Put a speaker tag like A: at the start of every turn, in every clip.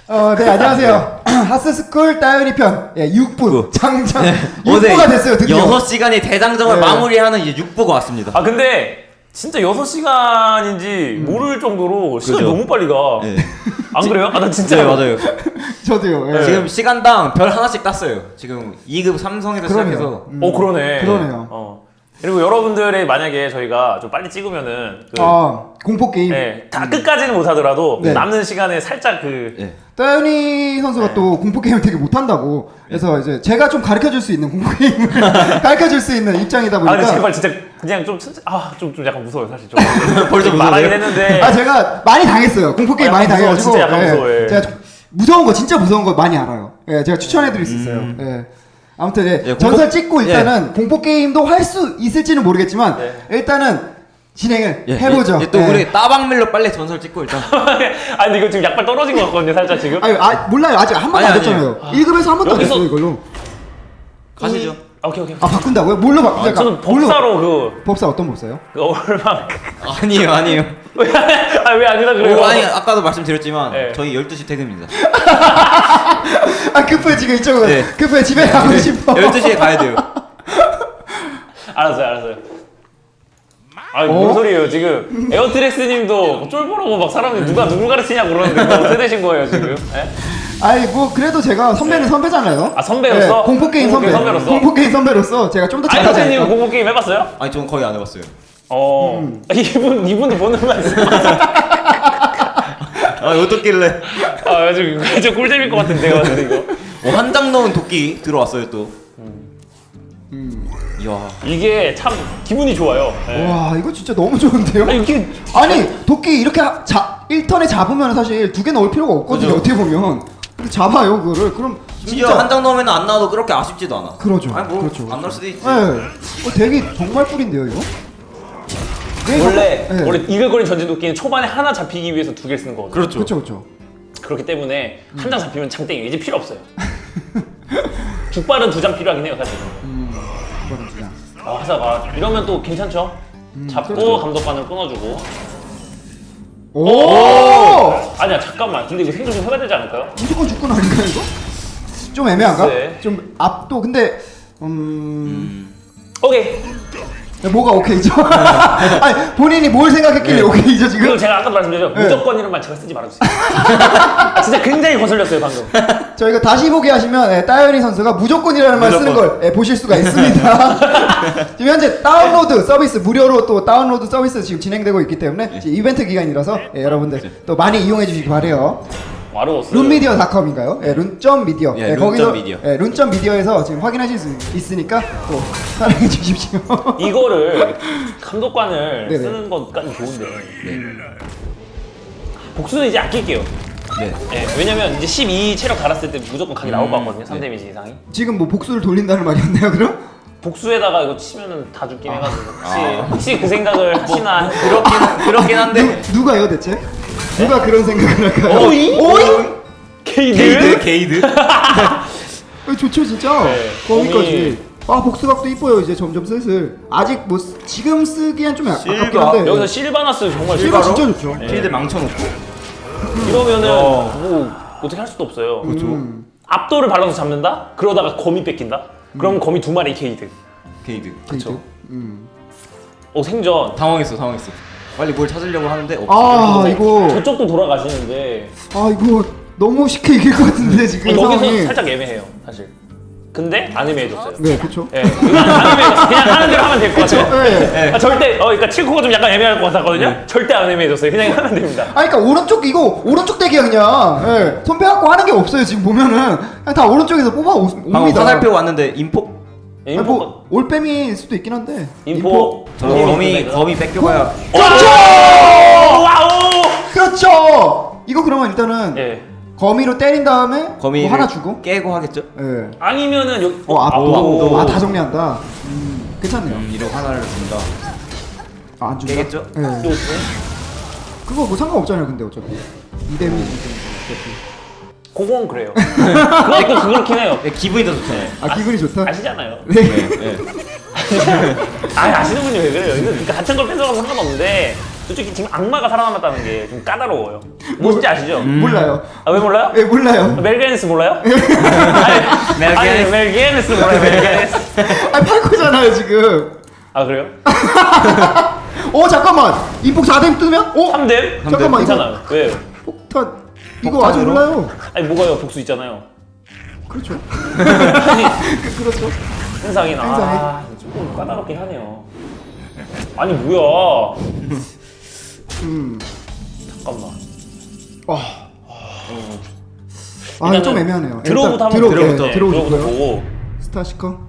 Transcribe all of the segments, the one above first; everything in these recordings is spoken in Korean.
A: 네, 안녕하세요. 하스스쿨 따윤이 편 6부 장장
B: 네.
A: 6부가 됐어요, 드디어.
B: 6시간이 대장정을
A: 네.
B: 마무리하는 이제 6부가 왔습니다.
C: 아 근데 진짜 6시간인지 모를 정도로 시간이
B: 그죠?
C: 너무 빨리 가.
B: 네.
C: 안 그래요? 아 나 진짜
B: 네, 맞아요.
A: 저도요. 예.
B: 지금 시간당 별 하나씩 땄어요. 지금 2급 삼성에서
A: 그러네요.
B: 시작해서
C: 그러네.
A: 그러네요.
C: 그리고 여러분들의 만약에 저희가 좀 빨리 찍으면은
A: 공포 게임.
C: 다 끝까지는 못하더라도
A: 네.
C: 남는 시간에 살짝
B: 네.
A: 따윤이 선수가
C: 네.
A: 또 공포 게임을 되게 못한다고. 그래서 이제 제가 좀 가르쳐 줄 수 있는 공포 게임을 가르쳐 줄 수 있는 입장이다 보니까.
C: 아 근데 제발 진짜 그냥 좀 약간 무서워요 사실 좀.
B: 벌써
C: 말하긴
B: 무서워요?
C: 했는데
A: 제가 많이 당했어요. 공포 게임 많이
C: 무서워,
A: 당해가지고.
C: 진짜 약간 무서워해.
A: 제가 좀 무서운 거 진짜 무서운 거 많이 알아요. 예, 제가 추천해 드릴 수 있어요. 예. 아무튼
B: 예,
A: 전설 찍고 일단은 공포 게임도 할 수 있을지는 모르겠지만 일단은 진행을 해보죠.
B: 또 우리 따방밀로 빨리 전설 찍고 일단.
C: 아 근데 이거 지금 약발 떨어진 것 같거든요 살짝 지금.
A: 몰라요. 아직 한 번도 안
B: 아니,
A: 됐잖아요. 1급에서 한 번도 안
C: 여기서-
A: 됐어요 이걸로.
B: 가시죠.
C: 오케이.
A: 아 바꾼다고요? 뭘로 바꾸자?
C: 저는 법사로
A: 법사 어떤 법사요?
C: 그 얼마
B: 아니에요.
C: 왜 아니라 그래요?
B: 아니 아까도 말씀드렸지만
C: 네.
B: 저희 12시 퇴근입니다.
A: 아 급해 지금 이쪽은
B: 네.
A: 급해 집에 가고 싶어.
B: 12시에 가야 돼요.
C: 알았어요. 뭔 소리예요 지금 에어트렉스님도 쫄보라고 막 사람들 누굴 가르치냐고 그러는데 뭐 어떻게 되신 거예요 지금? 예?
A: 아니 뭐 그래도 제가 선배는 선배잖아요.
C: 아, 선배로서?
A: 공포 게임 선배.
C: 선배로서?
A: 공포 게임 선배로서 제가 좀 더
C: 아니
A: 잘하지
C: 선생님
A: 않을까?
C: 공포 게임 해봤어요?
B: 아니 저는 거의 안 해봤어요.
C: 이분도 보는 말씀.
B: 아 어떻길래?
C: 좀 꿀잼일 것 같은데 이거.
B: 한 장 넣은 도끼 들어왔어요 또. 이야.
C: 이게 참 기분이 좋아요. 예.
A: 와 이거 진짜 너무 좋은데요?
C: 아니 이게
A: 아니 도끼 이렇게 1턴에 잡으면 사실 2개 넣을 필요가 없거든요.
B: 그죠.
A: 어떻게 보면 근데 잡아요 그거를. 그럼
B: 심지어
A: 진짜
B: 한 장 넣으면 안 나와도 그렇게 아쉽지도 않아.
A: 그러죠.
B: 아니 뭐
A: 그렇죠.
B: 안 나올 수도 있지.
A: 되게 정말 꿀인데요 이거?
C: 원래 이글거린 전진 도끼는 초반에 하나 잡히기 위해서 2개를 쓰는 거거든요.
B: 그렇죠.
A: 그렇죠.
C: 그렇기 때문에 한 장 잡히면 장땡이 이제 필요 없어요. 죽발은 2장 필요하긴 해요 사실.
A: 이거는 그냥
C: 화사가 이러면 또 괜찮죠? 잡고
A: 그렇죠.
C: 감독관을 끊어주고.
A: 오!
C: 아니야 잠깐만. 근데 이거 생존 좀 해봐야 되지 않을까요?
A: 무조건 죽군 아닌가 이거? 좀 애매한가?
C: 네.
A: 좀 앞도 근데
C: 오케이.
A: 뭐가 오케이죠? 아니 본인이 뭘 생각했길래 오케이죠 지금?
C: 그리고 제가 아까도 말씀드렸죠.
A: 네.
C: 무조건 이런 말 제가 쓰지 말아주세요. 진짜 굉장히 거슬렸어요 방금.
A: 저희가 다시 보기 하시면 따윤이 선수가 무조건이라는 말 쓰는 걸 보실 수가 있습니다. 지금 현재 다운로드 서비스 무료로 또 다운로드 서비스 지금 진행되고 있기 때문에 지금 이벤트 기간이라서 여러분들 또 많이 이용해 주시기 바래요.
C: 와로스.
A: 룬미디어닷컴인가요? 룬점미디어.
B: 예,
A: 거기서
B: 룬점미디어.
A: 룬점미디어에서 지금 확인하실 수 있으니까 또 사랑해 주십시오.
C: 이거를 감독관을
A: 네네.
C: 쓰는 것까지 좋은데 복수는 이제 아낄게요.
B: 네.
C: 예, 왜냐면 이제 12 체력 달았을 때 무조건 각이 나올 것 같거든요. 3데미지 이상이.
A: 지금 뭐 복수를 돌린다는 말이었나요, 그럼?
C: 복수에다가 이거 치면은 다 죽긴 해가지고 혹시 그 생각을 하시나?
B: 그렇긴 한데.
A: 누가요, 대체? 누가 그런 생각을 할까요?
C: 오이? 케이드?
B: 게이드.
A: 좋죠, 진짜.
C: 네,
A: 거기까지. 아, 복수각도 이뻐요, 이제 점점 슬슬. 아직 뭐 지금 쓰기엔 좀 아깝긴
B: 실바.
A: 한데.
C: 여기서 실바나스 정말
A: 실바
C: 실바로?
A: 진짜 좋죠.
B: 필드 망쳐놓고.
C: 이러면은 뭐 어떻게 할 수도 없어요.
B: 그렇죠.
C: 압도를 발라서 잡는다? 그러다가 거미 뺏긴다? 그럼 거미 2마리 케이드.
B: 게이드.
A: 그렇죠.
C: 생전.
B: 당황했어. 빨리 뭘 찾으려고 하는데 없어.
A: 아, 이거.
C: 저쪽도 돌아가시는데
A: 아, 이거 너무 쉽게 이길 것 같은데, 지금
C: 여기서
A: 상황이.
C: 살짝 애매해요 사실. 근데 아니메해줬어요.
A: 네, 그쵸.
C: 예, 아니메해줬어요. 그냥 하는 대로 하면 될 것 같아요.
A: 네.
C: 절대 그러니까 칠코가 좀 약간 애매할 것 같았거든요. 절대 안 애매해줬어요. 그냥 하면 됩니다.
A: 아니, 그니까, 오른쪽 대기야, 그냥. 예. 손 빼갖고 하는 게 없어요, 지금 보면은. 그냥 다 오른쪽에서
B: 방금
A: 옵니다.
B: 화살표 왔는데 인포.
C: 예,
A: 아니, 뭐, 올빼미일 수도 있긴 한데.
C: 인포.
B: 저 거미 뺏겨봐야.
C: 와우.
A: 그렇죠! 이거 그러면 일단은.
C: 예.
A: 거미로 때린 다음에
B: 거미를
A: 뭐 하나 주고
B: 깨고 하겠죠?
A: 예.
C: 아니면은 여기.
A: 압도. 다 정리한다. 괜찮네요.
B: 이런 하나를 준다.
A: 안 준다.
B: 깨겠죠?
A: 예. 그거 뭐 상관없잖아요, 근데 어차피. 2대미
C: 그건 그래요. 그것도 그렇긴 해요.
B: 기분이 더 좋잖아요.
A: 아, 기분이 좋다.
C: 아시잖아요.
A: 네.
B: 네.
C: 아시는 분이 왜 그래요? 이거 그러니까 같은 걸 뺏어가면 상관없는데 솔직히 지금 악마가 살아남았다는 게 좀 까다로워요. 뭔지 아시죠?
A: 몰라요.
C: 아, 왜 몰라요?
A: 예, 몰라요.
C: 멜 게니스 몰라요?
B: 멜
C: 아니,
B: 게니스.
C: 멜 게니스 몰라요, 멜 게니스.
A: 아, 팔코잖아요, 지금.
C: 아, 그래요?
A: 잠깐만. 인폭 4댐 뜨면?
C: 3댐?
A: 잠깐만, 이거
C: 괜찮아요. 왜요?
A: 폭탄. 이거 아직
B: 폭탄으로?
A: 몰라요.
C: 아니, 뭐가요? 복수 있잖아요.
A: 그렇죠.
C: 아니,
A: 그렇죠.
C: 행상이나.
A: 행상이.
C: 아, 조금 까다롭긴 하네요. 아니, 뭐야. 잠깐만.
A: 이거 좀 애매하네요.
C: 들어부터
A: 일단
C: 한번
A: 들어부터
C: 들어부터
A: 보고요.
C: 보고.
A: 스타시커.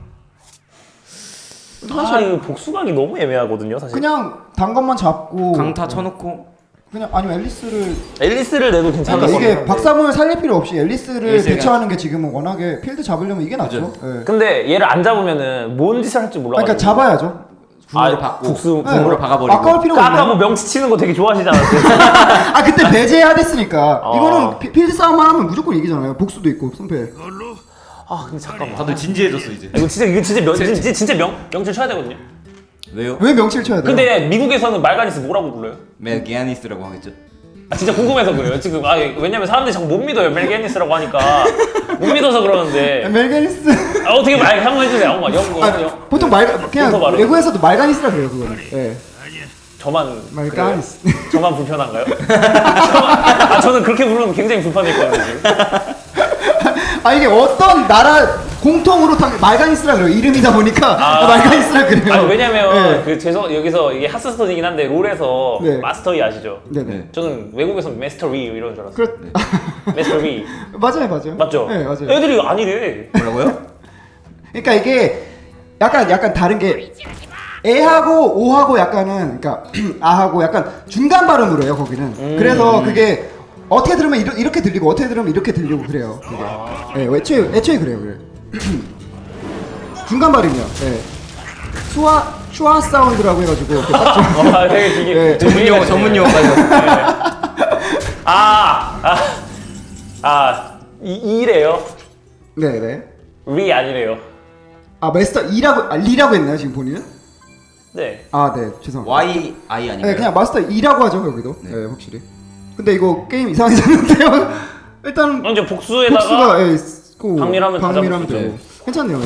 C: 아, 이거 복수각이 너무 애매하거든요, 사실.
A: 그냥 단 것만 잡고
B: 강타 쳐놓고
A: 그냥 아니면 앨리스를
C: 앨리스를 내도 괜찮을 것
A: 그러니까
C: 같아요.
A: 이게 박사문을 살릴 필요 없이 앨리스를
B: 앨리스가-
A: 대처하는 게 지금은 워낙에 필드 잡으려면 이게 낫죠. 예.
C: 근데 얘를 안 잡으면은 뭔 짓을 할지 몰라.
A: 그러니까 잡아야죠.
B: 궁으로 받고
C: 복수
A: 예.
B: 궁으로 박아버리고.
A: 아까울 필요가
C: 아까 뭐
A: 없나요?
C: 명치 치는 거 되게 좋아하시지 않았어요?
A: 아 그때 배제해야 됐으니까
C: 어.
A: 이거는 필드 싸움만 하면 무조건 이기잖아요. 복수도 있고 승패.
C: 아, 근데 잠깐만.
B: 다들 진지해졌어 이제.
C: 이거 진짜 명치 쳐야 되거든요.
B: 왜요?
A: 왜 명치를 쳐야 돼요?
C: 근데 미국에서는 말가니스 뭐라고 불러요?
B: 멜 게니스라고 하겠죠.
C: 아, 진짜 궁금해서 그래요. 지금 왜냐면 사람들이 자꾸 못 믿어요. 멜게니스라고 하니까 못 믿어서 그러는데.
A: 멜게니스.
C: 어떻게 말 한번 해주세요. 한번 영어.
A: 보통 그냥
C: 인터 발음.
A: 외국에서도 말가니스라 그래요 그거는. 예.
C: 저만
A: 말가니스.
C: 그래요? 저만 불편한가요? 저는 그렇게 부르면 굉장히 불편했거든요. 지금.
A: 아 이게 어떤 나라 공통으로 다 말가니스라 그래요. 이름이다 보니까 말가니스라 그래요.
C: 아니 왜냐면
A: 네.
C: 여기서 이게 하스스톤이긴 한데 롤에서
A: 네.
C: 마스터이 아시죠?
A: 네네.
B: 네.
C: 저는 외국에서 마스터리 이런 줄 알았어요.
A: 그렇.
C: 마스터리
A: 맞아요.
C: 맞죠?
A: 네 맞아요.
C: 애들이 아니래.
B: 뭐라고요?
A: 그러니까 이게 약간 다른 게 에하고 오하고 약간은 그러니까 아하고 약간 중간 발음으로 해요 거기는. 그래서 그게 어떻게 들으면 이렇게 들리고 어떻게 들으면 이렇게 들리고 그래요. 그게. 네, 애초에 그래요. 그래. 중간 발음이요. 네. 슈아 사운드라고 해가지고 이렇게 딱 좀-
C: 되게 되게
A: 네.
B: 전문 용어까지.
C: 이래요.
A: 네네.
C: 리 아니래요.
A: 아 마스터 리라고 했나요 지금 본인은?
C: 네.
A: 아 네 죄송합니다.
B: Y I
A: 네
B: 아닌가요?
A: 그냥 마스터 2라고 하죠 여기도.
B: 네.
A: 네 확실히. 근데 이거 게임 이상해졌는데요. 일단
C: 먼저 복수에다가
A: 복수가 있고
C: 박밀하면 다
A: 박밀하면
C: 잡을 수
A: 되고 괜찮네요. 네.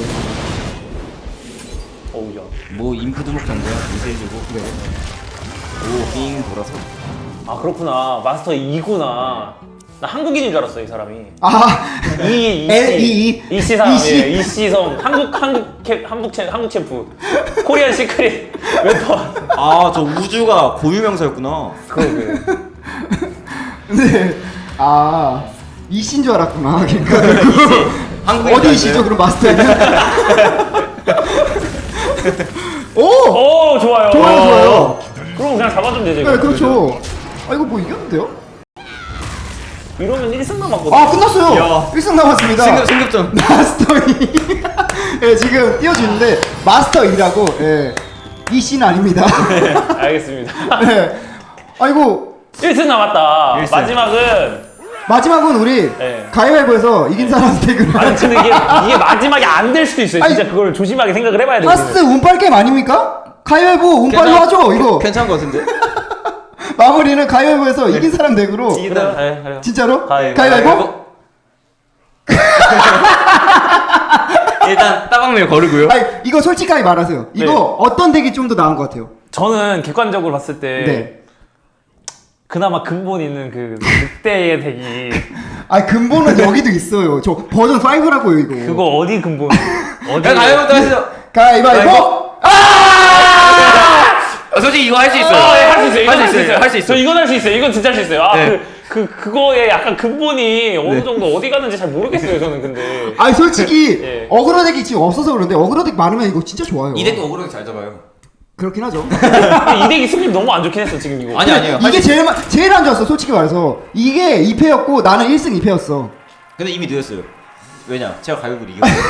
C: 어우야.
B: 뭐 인프 두목전데요. 이세해주고.
A: 네.
B: 오빙 돌아서.
C: 아 그렇구나. 마스터 2구나. 나 한국인인 줄 알았어 이 사람이.
A: 아
C: 이씨 사람이에요.
A: 이씨.
C: 이씨성 한국 챔프 코리안 시크릿 웨퍼.
B: 아 저 우주가 고유명사였구나.
C: 그러게.
A: 네. 아 이씨인 줄 알았구나. 그러니까
B: 한국인
A: 어디 이씨죠 그럼 마스터는? 오!
C: 오 좋아요.
A: 좋아요.
C: 그럼 그냥 잡아주면 되죠.
A: 네
C: 이거.
A: 그렇죠. 아 이거 뭐 이겼는데요?
C: 이러면 1승 남았거든.
A: 아 끝났어요.
B: 야.
A: 1승 남았습니다.
B: 승급점.
A: 마스터 2. 예, 지금 띄워주는데 마스터 2라고. 예. 이씨는 아닙니다.
C: 알겠습니다.
A: 네. 아이고
C: 1승 남았다.
B: 1승.
A: 마지막은 우리
C: 네.
A: 가위바위보에서 이긴 사람 댁으로.
C: 아니 근데 이게 마지막이 안 될 수도 있어요. 진짜
A: 아니,
C: 그걸 조심하게 생각을 해봐야 돼요.
A: 하스 운빨 게임 아닙니까? 가위바위보 운빨로 하죠 이거.
B: 괜찮은 것 같은데?
A: 마무리는 가위바위보에서 이긴 사람 댁으로.
C: 그래요? 네, 그래요.
A: 진짜로?
C: 가위바위보?
A: 가위바위보?
B: 일단 따방밀 거르고요.
A: 아니 이거 솔직하게 말하세요. 이거
C: 네.
A: 어떤 덱이 좀 더 나은 것 같아요?
C: 저는 객관적으로 봤을 때
A: 네.
C: 그나마 근본 있는 그 늑대의 덱이
A: 아 근본은 여기도 있어요. 저 버전 5라고요 이거.
C: 그거 어디 근본? 어디?
B: 야 가위바위보 하시죠.
A: 가위바위보.
B: 솔직히 이거 할 수 있어요.
C: 할 수 있어요. 이건
B: 할 수 있어요. 할 수
C: 저
B: 있어요.
C: 이건 할 수 있어요. 이건 진짜 할 수 있어요. 아,
B: 네.
C: 그거에 약간 근본이 어느 정도 어디 가는지 잘 모르겠어요. 저는 근데.
A: 아니 솔직히
C: 예.
A: 어그로 덱이 지금 없어서 그런데 어그로 덱 많으면 이거 진짜 좋아요.
B: 이 덱도 억울하게 잘 잡아요.
A: 그렇긴 하죠.
C: 근데 이 덱이 승리 너무 안 좋긴 했어 지금 이거.
B: 아니 아니에요.
A: 이게 제일 안 좋았어 솔직히 말해서. 이게 2패였고 나는 1승 2패였어.
B: 근데 이미 늦었어요. 왜냐? 제가 가위바위보를 이겼어요.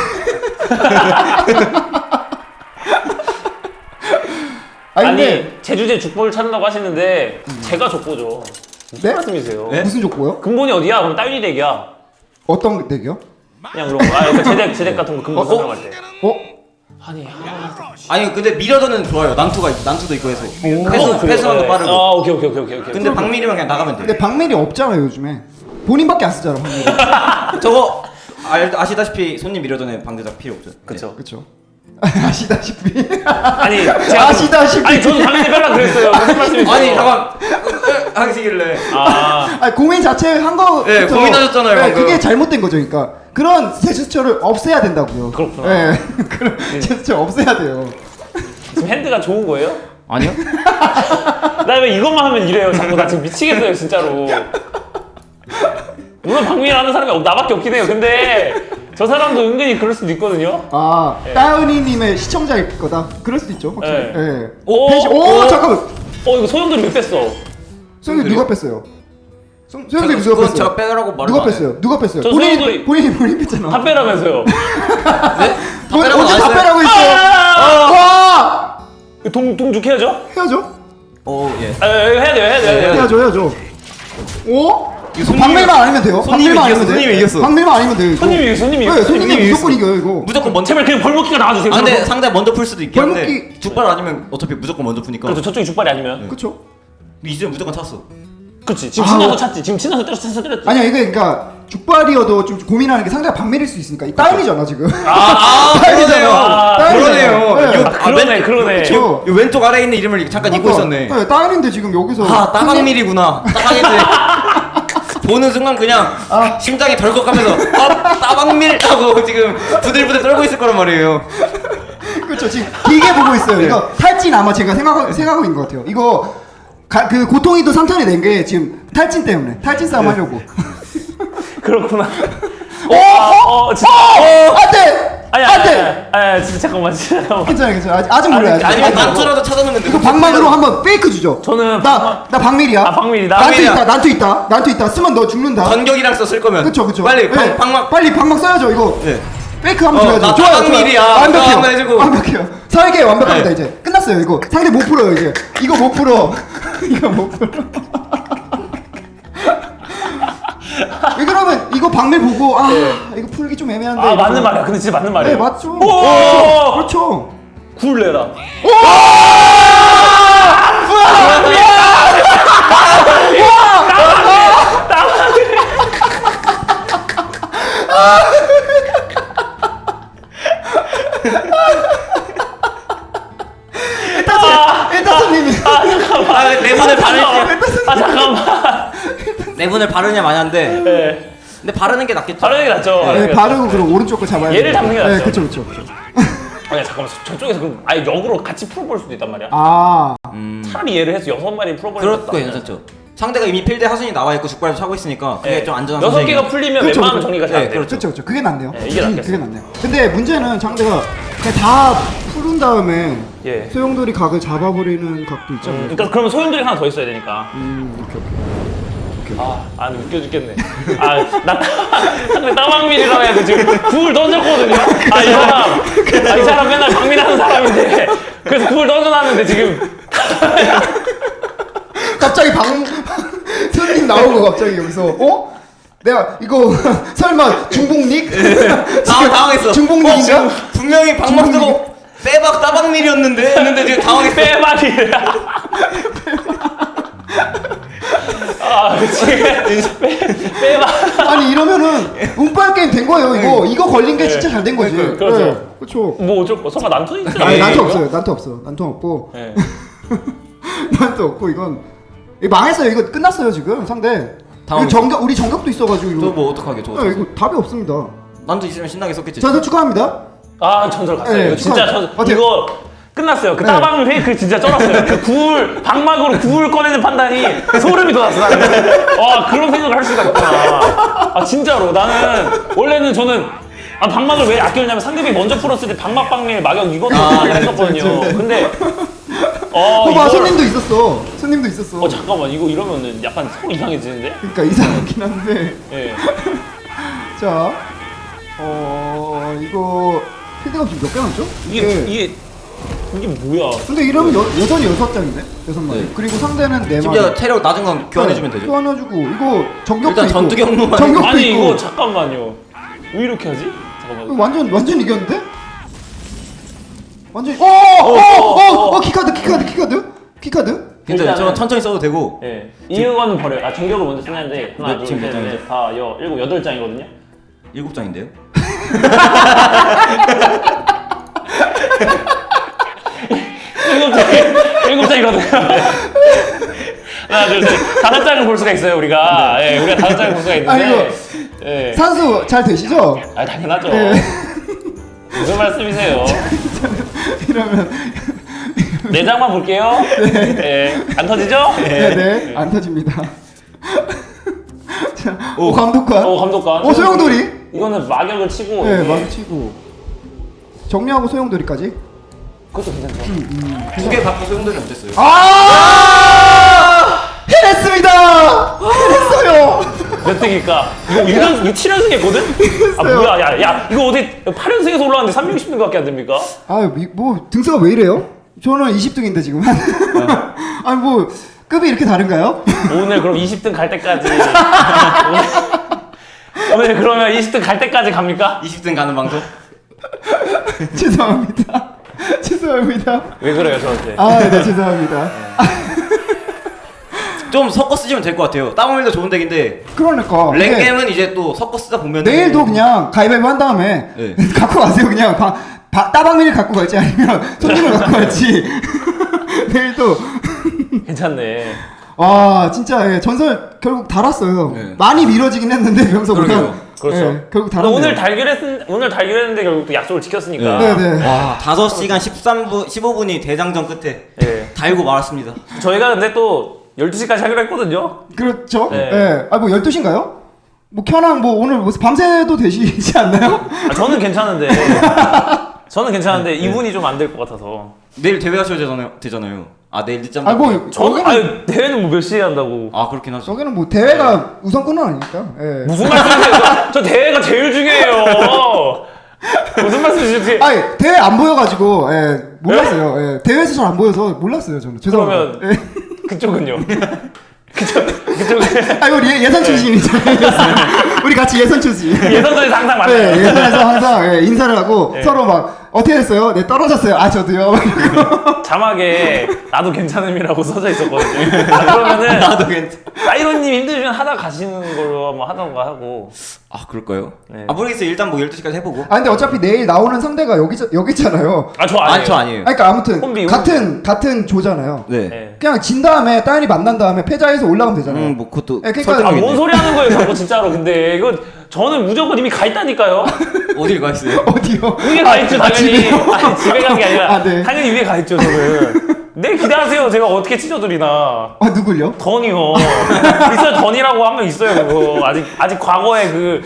A: 아니
C: 아니
A: 근데
C: 제주제 죽보를 찾는다고 하시는데 제가 족보죠. 무슨
A: 네?
C: 말씀이세요?
B: 네?
A: 무슨 족보요?
C: 근본이 어디야? 그럼 따윈이 덱이야.
A: 어떤 덱이요?
C: 그냥 그런 거. 그러니까 제덱 같은 거 근본 설명할 때.
A: 어?
C: 아니
B: 아니 근데 미러전은 좋아요. 난투도 있고 해서 패스런도 빠르고.
C: 아 오케이.
B: 근데 박미리만 그냥 나가면 돼.
A: 근데 박밀이 없잖아 요즘에. 본인밖에 안 쓰잖아 박밀이.
B: 저거 아시다시피 손님 미러전에 방대작 필요 없죠.
C: 그쵸.
A: 그렇죠. 아시다시피.
C: 아니 제가
A: 아시다시피.
C: 아니 저는 당연히 빼라 그랬어요. 무슨 말씀이세요?
B: 아니 잠깐 하시길래.
A: 아니 고민 자체 한 거.
B: 네, 고민하셨잖아요, 방금.
A: 그게 잘못된 거죠, 그러니까 그런 제스처를 없애야 된다고요.
C: 그렇구나.
A: 네, 그런 제스처 없애야 돼요.
C: 지금 핸드가 좋은 거예요?
B: 아니요?
C: 나 왜 이것만 하면 이래요? 자꾸 나 지금 미치겠어요 진짜로. 물론 박민이라는 사람이 나밖에 없긴 해요. 근데 저 사람도 은근히 그럴 수도 있거든요.
A: 아,
C: 네.
A: 따은이님의 시청자일 거다. 그럴 수도 있죠, 확실히.
C: 네.
A: 네.
C: 오,
A: 오, 잠깐만.
C: 이거 소영들이 왜 뺐어?
A: 소영이 누가 뺐어요? 소영이 누가
B: 그건
A: 뺐어요?
B: 제가 빼라고 말을
A: 누가
B: 안 해요.
A: 뺐어요? 누가 뺐어요?
C: 저
A: 본인이
C: 소영들이-
A: 본인 뺐잖아.
C: 다 빼라면서요.
B: 네? 다 빼라고
A: 언제 다
B: 안 했어요?
A: 빼라고 했어요? 와!
C: 동죽해야죠?
A: 해야죠.
B: 예.
C: 해야 돼요.
A: 해야죠. 오?
B: 이거 손님이-
A: 박밀만 아니면 돼요.
B: 손님이
A: 박밀만
B: 이겼어,
A: 아니면 돼.
B: 손님이 이겼어.
A: 박밀만 아니면 돼요. 이거.
C: 손님이
A: 네, 손님이
B: 손님이
A: 무조건
B: 이겼어.
A: 이겨요 이거.
B: 무조건 먼저.
C: 제발 그냥 벌목기가 나와주세요.
B: 아 근데 상대 먼저 풀 수도 있겠는데
A: 벌목기-
B: 죽발 아니면 어차피 무조건 먼저 푸니까.
C: 그렇죠. 저쪽이 죽발이 아니면.
A: 그렇죠.
B: 이제 무조건 찼어.
C: 그렇지. 지금
A: 아.
C: 신나서 찼지. 지금 신나서 때렸지.
A: 아니야 이게 그러니까 죽발이어도 좀 고민하는 게 상대가 박밀일 수 있으니까 이 따인이잖아 지금.
B: 그러네요.
A: 따인이잖아요.
B: 그러네요.
A: 네.
B: 이거
C: 그러네.
A: 그렇죠.
B: 요 왼쪽 아래에 있는 이름을 잠깐 잊고 있었네.
A: 네, 따인인데 지금 여기서.
B: 아 따박밀이구나. 따박밀. 보는 순간 그냥 심장이 덜컥하면서 따박밀 하고 지금 부들부들 떨고 있을 거란 말이에요.
A: 그렇죠. 지금 길게 보고 있어요. 이거 탈진 아마 제가 생각하고 있는 것 같아요. 이거 그 고통이도 3턴이 낸 게 지금 탈진 때문에 탈진 싸움 하려고.
C: 그렇구나. 진짜.
A: 안돼.
C: 아니, 진짜 잠깐만.
A: 괜찮아. 아직 몰라요.
B: 아니면 난투라도 찾아놓으면
A: 이거 방망으로 한번 페이크 주죠.
C: 저는
A: 나 박밀이야.
C: 박밀이다.
A: 난투 있다. 쓰면 너 죽는다.
B: 전격이랑 썼을 거면.
A: 그쵸.
B: 빨리
A: 네.
B: 방막.
A: 빨리 방막 써야죠 이거.
B: 네.
A: 페이크 한번 줘야죠.
B: 나
A: 좋아요.
B: 박밀이야.
A: 완벽해요.
B: 한번 해주고.
A: 완벽해요. 설계 완벽합니다
B: 네.
A: 이제. 끝났어요 이거. 상대 못 풀어요 이제. 이거 못 풀어. 이거 못 풀어. 왜 그러면 이거 박밀 보고 이거 풀기 좀 애매한데.
C: 아
A: 이러고.
C: 맞는 말이야. 근데 진짜 맞는 말이야.
A: 네 맞죠.
C: 오!
A: 그렇죠.
C: 굴 내라.
A: 일타선님이.
B: 내분을 바르냐?
C: 잠깐만.
B: 내분을 바르냐 마냐인데.
C: 네.
B: 근데 바르는 게 낫겠죠.
C: 바르는 게 낫죠.
A: 네, 바르고 그럼 오른쪽 거 잡아야
C: 얘를 잡는 게 낫죠.
A: 네, 그렇죠.
C: 아니 잠깐만. 저쪽에서 그럼 아예 역으로 같이 풀어볼 수도 있단 말이야.
A: 아,
C: 차라리 얘를 해서 6마리 풀어버리는
B: 그럴 거 괜찮죠. 상대가 이미 필드에 하순이 나와 있고 죽발도 차고 있으니까 그게 좀 안전한
C: 6개가 풀리면
A: 그렇죠,
C: 웬만하면
A: 그렇죠.
C: 정리가 잘
B: 네,
C: 돼요.
A: 그렇죠. 그게 낫네요.
C: 네, 이게 낫겠어요.
A: 그게 낫네요. 근데 문제는 상대가 그냥 다 푸른 다음에
C: 예.
A: 소용돌이 각을 잡아버리는 각도 있잖아요.
C: 그러니까 그러면 소용돌이 하나 더 있어야 되니까.
A: 오케이.
C: 아니 웃겨 죽겠네. 나 상대 따방밀이라고 해서 지금 굴 던졌거든요. 이 사람 맨날 박밀하는 사람인데 그래서 굴 던져놨는데 지금
A: 갑자기 손님 나오고 갑자기 여기서 내가 이거 설마 중복닉?
B: 당황했어.
A: 중복닉인가?
B: 지금 분명히 방막 쓰고 빼박 따박밀이었는데 했는데 지금 당황했어.
C: 빼말이야. 지금 빼말.
A: 아니 이러면은 운빨 게임 된 거예요. 이거 걸린 게 진짜 잘 된 거지.
C: 그렇죠.
A: 네, 그렇죠.
C: 뭐 어쩔 거 설마 난투 있어요?
A: 아니 난투 없어요. 난투 없고.
C: 네.
A: 난투 없고 이건 망했어요. 이거 끝났어요 지금 상대. 이거
B: 당황했어.
A: 우리 정격도 있어가지고 이거.
B: 저 뭐 어떡하게 저거.
A: 이거 답이 없습니다.
B: 난도 있으면 신나게 썼겠지.
A: 전설 축하합니다.
C: 전설 갔어요.
A: 네,
C: 이거 진짜
A: 어때요?
C: 이거 끝났어요. 그
A: 네.
C: 따방 페이크 진짜 쩔었어요. 그 방막으로 굴 꺼내는 판단이 소름이 돋았어. 나는. 그런 생각을 할 수가 있구나. 진짜로 나는 원래는 저는 방막을 왜 아끼느냐면 상대방이 먼저 풀었을 때 방막 박밀 마격 이거는 했었거든요. 근데
A: 봐 손님도 있었어.
C: 잠깐만 이거 이러면은 약간 서로 이상해지는데?
A: 그러니까 이상하긴 한데.
C: 예.
A: 자, 이거 필드가 지금 몇 개 남죠?
C: 이게 뭐야?
A: 근데 이러면 여전히 6장인데? 6마리.
B: 네.
A: 그리고 상대는 4마리.
B: 심지어 체력 낮은 건 교환해주면 되죠.
A: 교환해주고 이거 정격도
B: 일단
A: 있고.
B: 전투 경로만
A: 정격도
C: 아니
A: 있고.
C: 이거 잠깐만요. 왜 이렇게 하지? 잠깐만.
A: 완전 이겼는데? 완전 키카드.
B: 괜찮아요. 저
C: 일단은-
B: 천천히 써도 되고.
C: 예. 이거는 버려요. 아 정격을 먼저 쓰는데 하나,
B: 네,
C: 둘,
B: 지금
C: 셋,
B: 몇 장이죠?
C: 넷, 다, 일곱, 8장이거든요.
B: 7장인데요?
C: 일곱 장이거든요. 하나, 둘, 셋, 5장을 볼 수가 있어요 우리가. 예, 우리가 5장을 볼 수가 있는데.
A: 아이고.
C: 예.
A: 산수 잘 되시죠?
C: 아 당연하죠.
A: 네.
C: 무슨 말씀이세요?
A: 이러면
C: 4장만 볼게요. 네. 안 터지죠?
A: 네. 안 터집니다. 자, 오 감독관.
C: 감독관.
A: 소용돌이.
C: 이거는 막역을 치고.
A: 네,
C: 이게-
A: 마주치고 정리하고 소용돌이까지.
C: 그것도 괜찮죠.
B: 2개 받고 소용돌이 어땠어요?
A: 해냈습니다. 해냈어요.
C: 몇 등일까? 이거 7연승 했거든? 아 뭐야 야 이거 어디 8연승에서 올라왔는데 360등밖에 안 됩니까?
A: 뭐 등수가 왜 이래요? 저는 20등인데 지금. 아니 뭐 급이 이렇게 다른가요?
C: 오늘 그럼 20등 갈 때까지 오늘 그러면 20등 갈 때까지 갑니까?
B: 20등 가는 방송?
A: 죄송합니다. 죄송합니다.
C: 왜 그래요 저한테?
A: 네, 죄송합니다.
B: 좀 섞어 쓰시면 될 것 같아요. 따봉밀도 좋은 덱인데
A: 그러니까
B: 랭겜은 이제 또 섞어 쓰다 보면
A: 내일도 그냥 가위바위보 한 다음에
B: 네.
A: 갖고 가세요. 그냥 따방미를 갖고 갈지 아니면 손님을 갖고 갈지. 내일도
C: 괜찮네.
A: 와 진짜 전설 결국 달았어요.
B: 네.
A: 많이 미뤄지긴 했는데 명성보다.
B: 그러게요.
C: 그렇죠.
A: 결국 달았네요.
C: 오늘 달결했는데 결국 또 약속을 지켰으니까.
A: 네네.
B: 와 5시간 15분이 대장전 끝에
C: 예.
B: 달고 말았습니다.
C: 저희가 근데 또 12시까지 하기로 했거든요.
A: 그렇죠.
C: 네.
A: 네. 뭐 12시인가요? 뭐 켜랑 뭐 오늘 뭐 밤새도 되시지 않나요?
C: 아, 저는 괜찮은데. 저는 괜찮은데 이분이 좀 안 될 것 같아서.
B: 내일 대회 하셔야 되잖아요. 아 내일 늦잠
A: 뭐
C: 저는
A: 저기는
C: 대회는 뭐 몇 시에 한다고.
B: 아 그렇긴 하죠.
A: 저기는 뭐 대회가 우선권은 아니니까. 예.
C: 무슨 말씀이세요? 저 대회가 제일 중요해요. 무슨 말씀이세요?
A: 대회 안 보여가지고 몰랐어요. 예. 대회에서 잘 안 보여서 몰랐어요 저는. 죄송합니다.
C: 그러면 그쪽은요? 그쪽은
A: 우리 예선 출신이잖아요. 우리 같이 예선 출신.
C: 예선전에서 항상 만나요.
A: 네, 예선에서 항상 인사를 하고 서로 막 어떻게 됐어요? 네 떨어졌어요. 저도요.
C: 자막에 나도 괜찮음이라고 써져 있었거든요. 그러면은
B: 나도 괜찮.
C: 사이로님 힘드시면 하다 가시는 걸로 뭐 하던가 하고.
B: 아 그럴까요?
C: 네.
B: 아 모르겠어요. 일단 뭐 12시까지 해보고.
A: 근데 어차피 내일 나오는 상대가 여기잖아요.
C: 저 아니에요.
B: 아니 저 아니에요.
A: 그러니까 아무튼
C: 혼비.
A: 같은 조잖아요.
B: 네.
C: 네.
A: 그냥 진 다음에 따연이 만난 다음에 패자에서 올라가면 되잖아요.
B: 뭐 그것도
A: 그러니까
B: 설득력이
C: 뭔
B: 있네.
C: 소리 하는 거예요, 자꾸 진짜로. 근데 이거 저는 무조건 이미 가 있다니까요.
B: 어딜 가 있어요?
A: 어디요?
C: 위에 가 있죠, 당연히.
A: 집에요?
C: 아니, 집에 간 게 아니라
A: 네.
C: 당연히 위에 가 있죠, 저는. 네, 기대하세요. 제가 어떻게 찢어드리나.
A: 누굴요?
C: 던이요. 있어요, 던이라고 한 명 있어요, 그거. 아직 과거에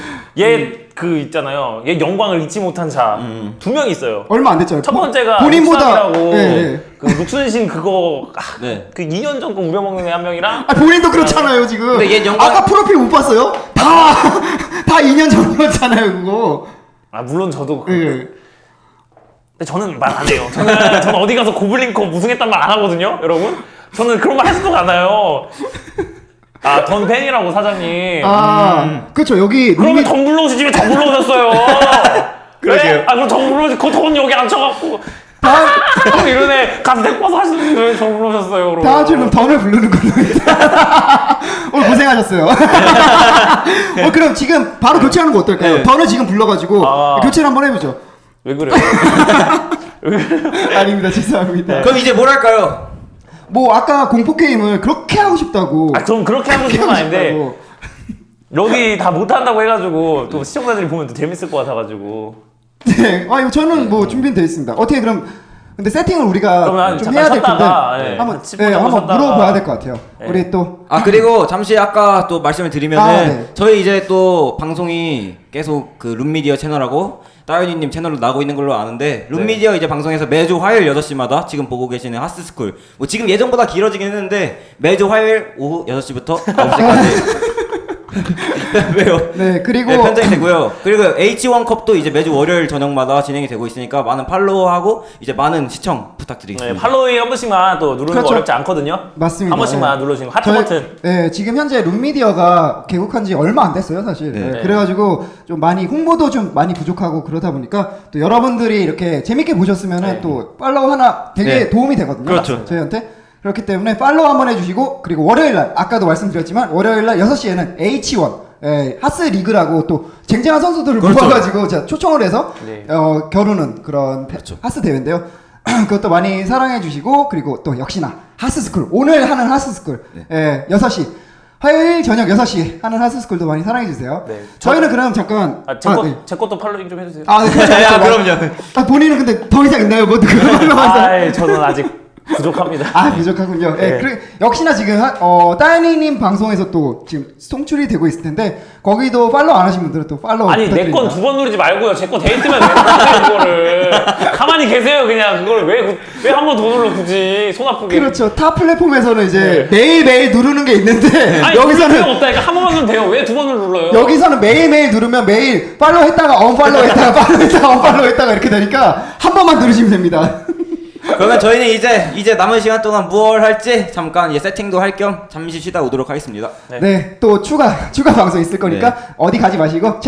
C: 그 있잖아요. 얘 영광을 잊지 못한 자. 2명 있어요.
A: 얼마 안 됐잖아요.
C: 첫 번째가
A: 본인보다
C: 룩삼이라고
A: 네.
C: 그 룩순신 그거
B: 네.
C: 그 2년 전 거 우려먹는 애 한 명이랑
A: 본인도 그렇잖아요 지금.
B: 근데 얘 영광-
A: 아까 프로필 못 봤어요? 다 2년 전이었잖아요 그거.
C: 물론 저도
A: 예.
C: 근데 저는 말 안 해요. 저는 어디 가서 고블린컵 우승했단 말 안 하거든요, 여러분. 저는 그런 말 하지도 않아요. 던 팬이라고 사장님.
A: 그렇죠 여기
C: 그러면 던 불러오시지 왜 저 불러오셨어요?
B: 그러게요.
C: 네? 그럼 저 불러오시 그돈 여기 앉혀갖고 이러네 가서 데리고 와서 하시는데 왜 저 불러오셨어요? 그럼.
A: 다음 주는 던을 부르는 걸로. 오늘 고생하셨어요. 그럼 지금 바로 교체하는 거 어떨까요?
B: 네.
A: 던을 지금 불러가지고 교체를 한번 해보죠.
C: 왜 그래요?
A: 아닙니다 죄송합니다.
B: 그럼 이제 뭘 할까요?
A: 뭐 아까 공포 게임을 그렇게 하고 싶다고.
C: 전 그렇게 하고 싶은 건 아닌데
A: 싶다고.
C: 여기 다 못한다고 해가지고 또 시청자들이 보면 또 재밌을 것 같아가지고.
A: 네. 이거 저는 뭐 준비는 돼 있습니다. 어떻게 그럼 근데 세팅을 우리가
C: 그러면
A: 좀
C: 잠깐
A: 해야 될 텐데
C: 쉬었다가, 네,
A: 한번
C: 한 10분 정도
A: 한번
C: 쉬었다가.
A: 물어봐야 될 것 같아요.
C: 네.
A: 우리 또
B: 아 그리고 잠시 아까 또 말씀을 드리면은
A: 네.
B: 저희 이제 또 방송이 계속 그 룸미디어 채널하고 따윤이님 채널로 나오고 있는 걸로 아는데 룸미디어 이제 방송에서 매주 화요일 8시마다 지금 보고 계시는 하스스쿨 뭐 지금 예전보다 길어지긴 했는데 매주 화요일 오후 6시부터 9시까지 왜요?
A: 네, 그리고
B: 네, 편성이 되고요. 그리고 H1 컵도 이제 매주 월요일 저녁마다 진행이 되고 있으니까 많은 팔로우하고 이제 많은 시청 부탁드리겠습니다.
C: 네, 팔로우에 한 번씩만 또 누르는
A: 그렇죠.
C: 거 어렵지 않거든요.
A: 맞습니다.
C: 한 번씩만
A: 네.
C: 눌러주시면 하트
A: 저희-
C: 버튼.
A: 네, 지금 현재 룸미디어가 개국한 지 얼마 안 됐어요, 사실.
B: 네.
A: 네, 그래가지고 좀 많이 홍보도 좀 많이 부족하고 그러다 보니까 또 여러분들이 이렇게 재밌게 보셨으면은
C: 네.
A: 또 팔로우 하나 되게
B: 네.
A: 도움이 되거든요.
B: 그렇죠.
A: 저희한테. 그렇기 때문에 팔로우 한번 해주시고 그리고 월요일날 아까도 말씀드렸지만 월요일날 6시에는 H1 하스 리그라고 또 쟁쟁한 선수들을
B: 그렇죠.
A: 모아가지고 제가 초청을 해서
C: 네.
A: 겨루는 그런
B: 그렇죠.
A: 하스 대회인데요. 그것도 많이 사랑해 주시고 그리고 또 역시나 하스스쿨 오늘 하는 하스스쿨 6시 화요일 저녁 6시 하는 하스스쿨도 많이 사랑해 주세요.
C: 네.
A: 저희는 그럼 잠깐
C: 제 것도 팔로잉 좀 해주세요.
A: 네, 그렇죠,
B: 야,
A: 그렇죠.
B: 그럼요.
A: 본인은 근데 더 이상 있나요? 뭐 그런
C: 아이, 저는 아직 부족합니다.
A: 아 부족하군요.
C: 네.
A: 역시나 지금 따이니님 방송에서 또 지금 송출이 되고 있을 텐데 거기도 팔로우 안 하신 분들은 또 팔로우
C: 아니 내 건
A: 부탁드립니다.
C: 2번 누르지 말고요. 제 거 데이트면 왜 누르세요 그거를. 가만히 계세요 그냥. 그걸 왜 한 번 더 눌러 굳이 손 아프게.
A: 그렇죠. 타 플랫폼에서는 이제
C: 네.
A: 매일매일 누르는 게 있는데
C: 아니 여기서는
A: 여기서는
C: 필요 없다니까. 한 번만 누르면 돼요. 왜 두 번을 눌러요?
A: 여기서는 매일매일 누르면 매일 팔로우 했다가 언팔로우 했다가 팔로우 했다가 언팔로우 했다가 이렇게 되니까 한 번만 누르시면 됩니다.
B: 그러면 저희는 이제 남은 시간 동안 무얼 할지 잠깐 이제 세팅도 할 겸 잠시 쉬다 오도록 하겠습니다.
C: 네.
A: 네, 또 추가 방송 있을 거니까 어디 가지 마시고